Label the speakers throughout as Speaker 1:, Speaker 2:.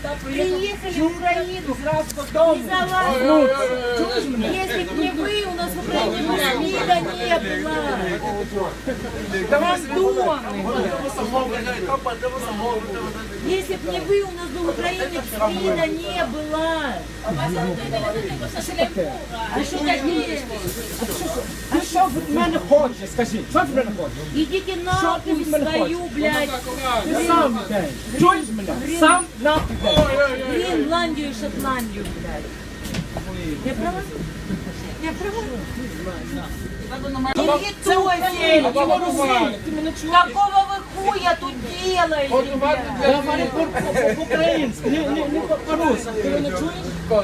Speaker 1: приехали в Украину сразу додому.
Speaker 2: Если бы не вы, у нас в Украине СМИда не было. Если бы не вы, у нас бы в Украине СМИда не было. А что такие?
Speaker 1: А що ви від мене хочете, скажіть? Що ви від мене хочете?
Speaker 2: Идите нахуй свою, блядь,
Speaker 1: Ти сам йдеш. Чуєш мене? Сам нахуй йдеш.
Speaker 2: Гренландию и Шотландию, блядь. Я права? Я права?
Speaker 1: Це Україна, це Росія. Ти мене чуєш?
Speaker 2: Какого вы хуя тут делаете?
Speaker 1: Я говорю по-українськи, не по-русски. Ти мене чуєш?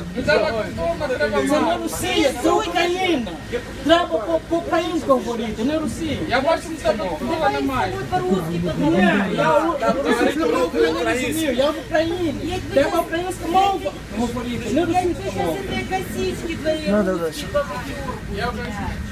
Speaker 1: Це не Росія, це Україна. Треба по-українськи говорити, не Росія.
Speaker 3: Я бачу, що тебе купила немає.
Speaker 2: По-русски,
Speaker 1: Ні, я в Україні. Треба українську мову говорити, не
Speaker 2: Я
Speaker 1: російську
Speaker 2: тебе сейчас
Speaker 1: мову.
Speaker 2: этой косички твоей
Speaker 3: Я вже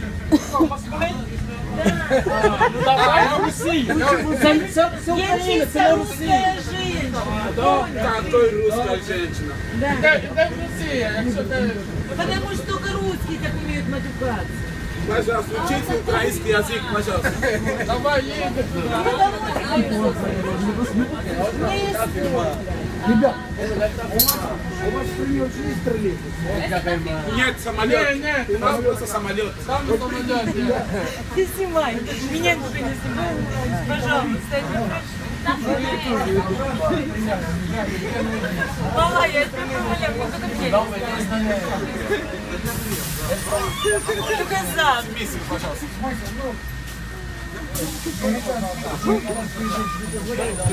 Speaker 1: Давай в Росію. Це Україна, це не Росія.
Speaker 4: Какой русская женщина?
Speaker 3: де в Росії, якщо ти...
Speaker 2: Потому что только русские так умеют матюкаться.
Speaker 4: Пожалуйста, учите украинский язык, пожалуйста.
Speaker 3: Давай їдемо.
Speaker 1: Ребят, у вас есть троллейбус?
Speaker 4: Нет, самолет.
Speaker 3: Нет,
Speaker 4: У нас просто самолет.
Speaker 3: Там на самоліті.
Speaker 2: Ты снимай, меня никто не снимает. Пожалуйста. Мала, я тебя умоляю, только за.
Speaker 4: Миссию, пожалуйста.